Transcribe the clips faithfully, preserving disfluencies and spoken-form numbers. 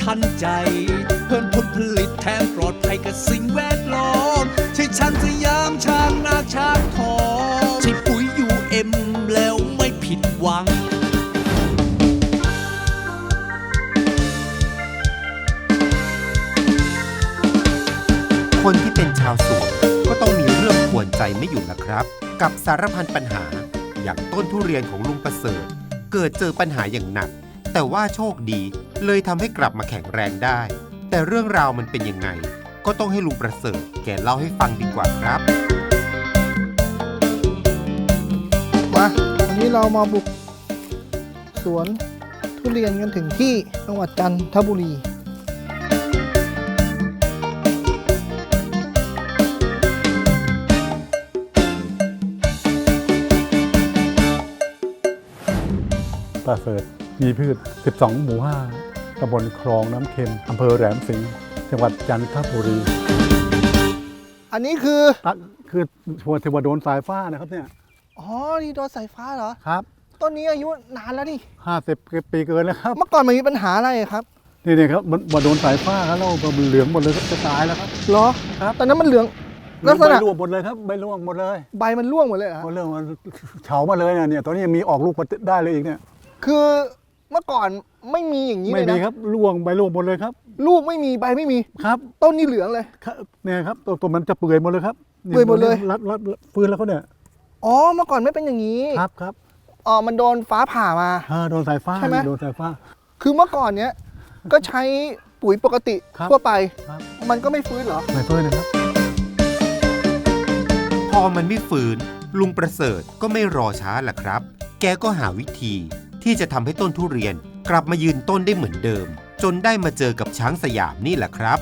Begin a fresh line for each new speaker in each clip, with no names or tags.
ทันใจเพิ่มผลผลิตแถมปลอดภัยกับสิ่งแวดล้อมใช่ช้างสยามช้างนาช้างทองใช่ปุ๋ยยูเอ็มแล้วไม่ผิดหวัง
คนที่เป็นชาวสวนก็ต้องมีเรื่องกวนใจไม่อยู่นะครับกับสารพันปัญหาอย่างต้นทุเรียนของลุงประเสริฐเกิดเจอปัญหาอย่างหนักแต่ว่าโชคดีเลยทำให้กลับมาแข็งแรงได้แต่เรื่องราวมันเป็นยังไงก็ต้องให้ลุงประเสริฐแกเล่าให้ฟังดีกว่าครับ
มาวันนี้เรามาบุกสวนทุเรียนกันถึงที่จังหวัดจันทบุรี
ประเสริฐมีพืช สิบสอง หมู่ ห้า ตำบลคลองน้ำเค็ม อำเภอแหลมสิงห์ จังหวัดจันทบุรี
อันนี้คือ
ตัดคือชัวร์เทวดนสายฟ้านะครับเนี่ย
อ๋อนี่โดนสายฟ้าเหรอ
ครับ
ต้นนี้อายุนานแล้วนี่
ห้าสิบปีเกินแล้วครับ
เมื่อก่อนมันมีปัญหาอะไรครับ
นี่นี่ครับมันมาโดนสายฟ้าครับแล้วมันเหลืองหมดเลยครับจะตายแล้วครับ
เหรอ
ครับ
ตอนนั้นมันเหลืองลักษ
ใบ
ณะ
ร่วงหมดเลยครับใบร่วงหมดเลย
ใบมันร่วงหมดเลยเหรอ
หมดเรื่องมันเฉามาเลยนะเนี่ยตอนนี้ยังมีออกลูกมาได้เลยอีกเนี่ย
คือเมื่อก่อนไม่มีอย่างนี้เล
ไม่
ย
มี
นะครับ
ร่วงใบร่วงหมดเลยครับ
ลูกไม่มีใบไม่มี
ครับ
ต้นนี่เหลืองเลย
ครับเนี่ยครับตัวตัวมันจะเปื่อยหมดเลยครับ
เปื่อยหมดเลย
รัดรัดรัดฟื้นแล้วเขาเนี่ย
อ๋อเมื่อก่อนไม่เป็นอย่างนี้
ครับครับ
อ๋อมันโดนฟ้าผ่ามา
อ่าโดนสายฟ้า
ใช่ไหม
โดนสายฟ้า
คือเมื่อก่อนเนี้ยก็ใช้ปุ๋ยปกติ
ครับ
ทั่วไป
ครับ
มันก็ไม่ฟื้นเหรอ
ไม่เพิ่นนะครับ
พอมันไม่ฝืนลุงประเสริฐก็ไม่รอช้าล่ะครับแกก็หาวิธีที่จะทำให้ต้นทุเรียนกลับมายืนต้นได้เหมือนเดิมจนได้มาเจอกับช้างสยามนี่แหละครับ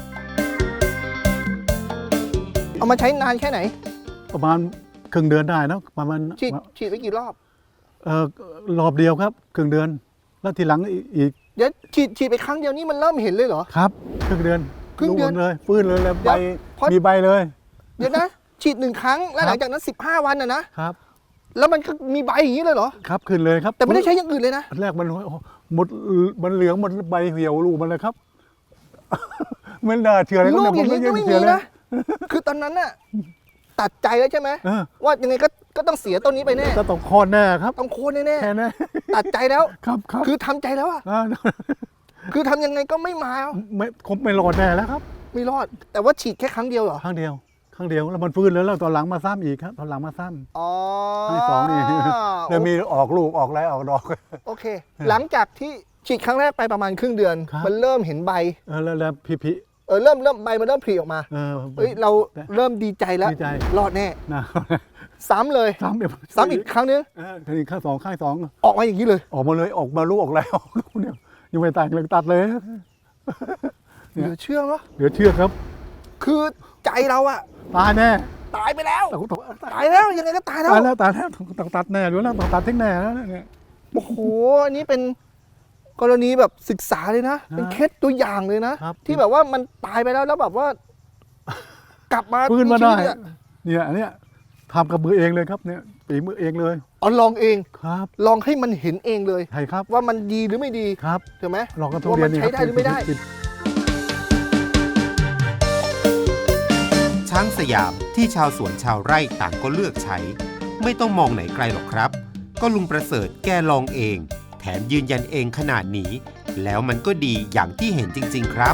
เอามาใช้นานแค่ไหน
ประมาณครึ่งเดือนได้นะประมาณ
ฉีดฉีดไปกี่รอบ
เอ่อรอบเดียวครับครึ่งเดือน แล้วทีหลังอีกอีก
เดี๋ยวฉีดฉีดไปครั้งเดียวนี่มันเริ่มเห็นเลยเหรอ
ครับครึ่งเดือน
ครึ่งเดือน
หมเลยฟื้นเลยแล้ว
เดี๋
ใบ
ยวพอ
มีใบเลย
เดี๋ยวนะ ฉีดหนึ่งครั้งแล้วหลังจากนั้นสิบห้าวันนะนะครับ แล้วมันก็มีใบอย่างนี้เลยเหรอ
ครับขึ้นเลยครับ
แต่ไม่ได้ใช้อย่างอื่นเลยนะ
อันแรกมันหมดมันเหลืองหมดใบเหี่ยวลูกมันเลยครับ ไม่น่าเชื่อเลย
ลูกอย่างนี้ก็ไม่
เชื่
มี
อเลย
นะ คือตอนนั้นน่ะตัดใจแล้วใช่ไหม
เออ
ว่ายังไงก็ก็ต้องเสียต้นนี้ไปแน่
จะต้องคลอดแน่ครับ
ต้องโค่นแน่
แค่นั้น
ๆตัดใจแล้ว
ครับครับ
คือทำใจแล้วอะ
า
คือทำยังไงก็ไม่มา
ไม่คงไม่รอดแน่แล้วครับ
ไม่รอด แต่ว่าฉีดแค่ครั้งเดียวเหรอ
ครั้งเดียวครั้งเดียวแล้วมันฟื้นแล้วแล้วตอนหลังมาซ้ำอีกครับตอนหลังมาซ้ำ
อ๋อ
ครั้งที่สองนี่ เดี๋ยวมีออกลูกออกไรออกดอก
โอเค หลังจากที่ฉีดครั้งแรกไปประมาณครึ่งเดือน
ครับ
มันเริ่มเห็นใบ
เออแล้วแล้วพี่พี่
เออเริ่มเริ่มใบมันเริ่มผลิออกมา
เออ
เฮ้ยเราเริ่มดีใจแล้ว
ดีใจ
รอดแน่
นะ
ซ้ำเลย
ซ้ำเดี๋ยว
ซ้ำอีกครั้งนึง
เออทีนี้ข้างสองข้างสอง
ออกมาอย่างนี้เลย
ออกมาเลยออกมาลูกออกไรออกลูกเนี่ยยังไม่แต่งเลยตัดเลย
เหลือเชื่อเนาะ
เหลือเชื่อครับ
คือใจเราอะ
ตายแน่
ตายไปแล้ว
ต้องต้อง
ตายแล้วยังไงก็ตายแล้ว
ตายแล้วตายแล้วต้องตัดแน่อยู่แล้วต้องตัดทิ้งแน่แล้วเนี่ย
โอ้โหอันนี้เป็นกรณีแบบศึกษาเลยนะ เป็นเคสตัวอย่างเลยนะ
ครับ
ที่แบบว่ามันตายไปแล้วแล้วแบบว่า กลับมา
ฟื้นมาได้
ชีวิตอะ
เนี่ยอันเนี้ยทำกับมือเองเลยครับเนี่ยปีมือเองเลย
เอาลองเอง
ครับ
ลองให้มันเห็นเองเลย
ใช่ครับ
ว่ามันดีหรือไม่ดี
ครับ
ถูกไหม
ลองกันทุ
ว่า
เรีย
มัน น
นี่
ใช้ได้หรือไม่ได้
ช้างสยามที่ชาวสวนชาวไร่ต่างก็เลือกใช้ ไม่ต้องมองไหนไกลหรอกครับ ก็ลุงประเสริฐแกลองเอง แถมยืนยันเองขนาดนี้ แล้วมันก็ดีอย่างที่เห็นจริงๆครับ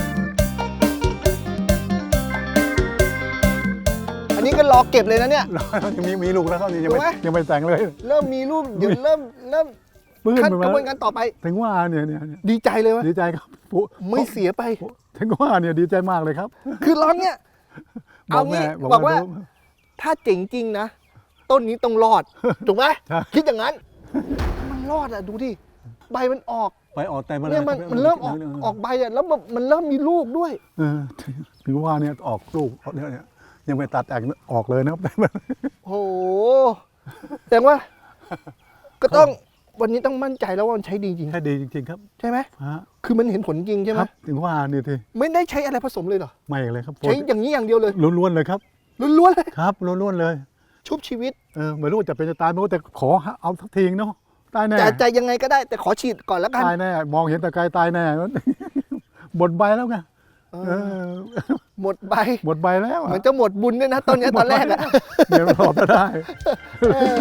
อันนี้ก็รอเก็บเลยนะเนี่ย
ยังมีมีลูกแล้วครับนี่ยังไม่
ถูกไหม
ยังไม่แต่งเลย
เริ่มมีรูปเดี๋ยวเริ่มเริ่ม
ปื้น
ขั้น
ไป
กระบวน
แล้
การต่อไป
ถึงว่าเนี่ยเนี่ยเนี่ย
ดีใจเลยวะ
ดีใจครับปุ๊
ไม่เสียไป
ถึงว่าเนี่ยดีใจมากเลยครับ
คือร้องเนี่ย
บอ
เอา
กแม่
งี้
บอก
บอกว่า
ว่า
ถ้าเจ๋งจริงนะ ต้นนี้ต้องรอด ถูกไหม
ใช่
คิดอย่างนั้น มันรอดอ่ะดูดิใบมันออก
ไปออกแต่มา
เนี่ยมันมันเริ่มออกออกใบอ่ะแล้วมันมันเริ่มมีลูกด้วย
เออถึงว่าเนี่ยออกลูกออกเนี่ยเนี่ยยังไม่ตัดแอกออกเลยนะครับ
โอ้โหแสดงว่า ก็ต้องวันนี้ต้องมั่นใจแล้วว่ามันใช้ดีจริง
แค่ดีจริง ๆ ครับ
ใช่ไหม
ฮะ
คือมันเห็นผลจริงใช่ไห
ค
ม
รับถึงว่าเนี่ยที
ไม่ได้ใช้อะไรผสมเลยเหรอ
ไม่เลยครับ
ใช้อย่างนี้อย่างเดียวเลย
ล้วนๆเลยครับ
ล้วนๆเลย
ครับล้วนๆเลย
ชุบชีวิต
เออไม่รู้จะเป็นจะตายไม่รู้แต่ขอเอาสักทีเนาะตายแน่
แต่ใจยังไงก็ได้แต่ขอฉีดก่อนแล้วกัน
ตายแน่มองเห็นแต่ไกลตายแน่หมดใบแล้วไง
เอ
เอ
อ
อ
หมดใบ
หมดใบแล้ว
เห
อะ
มือนจะหมดบุญด้วยนะต้นเนี้ยตอนแรกอะ
เดี๋ยวรอไม่ได้
เออ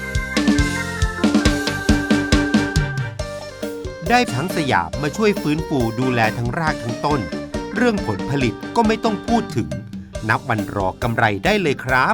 ได้ทั้งสยามมาช่วยฟื้นฟูดูแลทั้งรากทั้งต้น เรื่องผลผลิตก็ไม่ต้องพูดถึง นับวันรอกำไรได้เลยครับ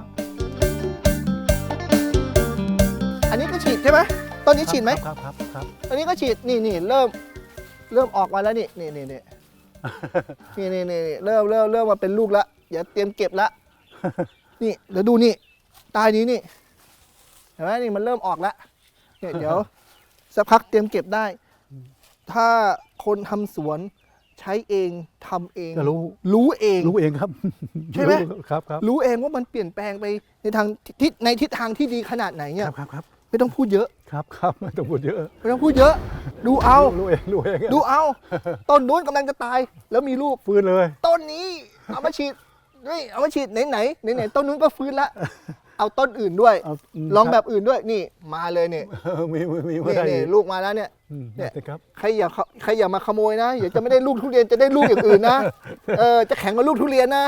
อันนี้ก็ฉีดใช่ไหมต้นนี้ฉีดไหม
ครับครับครับ
อันนี้ก็ฉีดนี่นี่เริ่มเริ่มออกมาแล้วนี่นี่นี่นี่นี่นี่นี่เริ่มเริ่มเริ่มมาเป็นลูกละอย่าเตรียมเก็บละนี่เดี๋ยวดูนี่ใต้นี้นี่เห็นไหมนี่มันเริ่มออกแล้วเนี่ยเดี๋ยวสักพักเตรียมเก็บได้ ถ้าคนทำสวนใช้เองทำเอง
ก็รู้
รู้เอง
รู้เองครับ
ใช่ไหม
รู้ครับครับ
รู้เองว่ามันเปลี่ยนแปลงไปในทางทิศในทิศทางที่ดีขนาดไหน
ค
เนี่ย
รับครับครับ
ไม่ต้องพูดเยอะ
ครับครับไม่ต้องพูดเยอะ
ไม่ต้องพูดเยอะ ดูเอา
รู้เองรู้เอง
ดูเอา ต้นนู้นกำลังจะตาย แล้วมีรูป
ฟื้นเลย
ต้นนี้เอามาฉีดนี่เอามาฉีดไหนไหนไหนไหนต้นนู้นก็ฟื้นละเอาต้นอื่นด้วย
เอาม
ลองแบบอื่นด้วยนี่มาเลยเนี่ย
เออมีมีมี
นี่
ได้
นี่ลูกมาแล้วเนี่ย
อืม
เนี่ย
ได้ครับ
ใครอย่าเข้าใครอย่ามาขโมยนะเดี๋ยวจะไม่ได้ลูกทุเรียนจะได้ลูกอย่างอื่นนะเออจะแข็งกว่าลูกทุเรียนนะ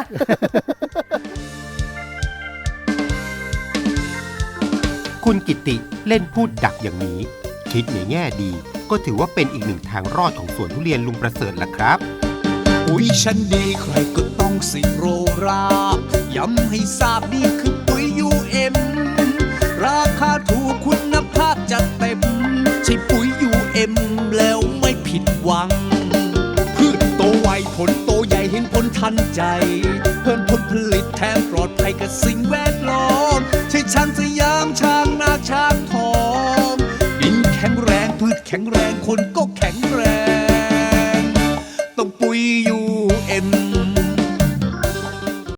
คุณกิติเล่นพูดดักอย่างนี้ คิดในแง่ดี ก็ถือว่าเป็นอีกหนึ่งทางรอดของสวนทุเรียนลุงประเสริฐล่ะครับ
ปุ๋ยชั้นดีใครก็ต้องสิโรราย้ำให้ทราบนี่คือปุ๋ย ยู เอ็ม ราคาถูกคุณภาพจัดเต็ม ใช่ปุ๋ย ยู เอ็ม แล้วไม่ผิดหวัง พืชโตไวผลโตใหญ่เห็นผลทันใจ เพิ่มผลผลิตแถมปลอดภัยกับสิ่งแวดล้อมใช่ช้างสยามช้างนาช้างทองดินแข็งแรงพืชแข็งแรงคนก็แข็งแรง ต้องปุ๋ย ยู เอ็ม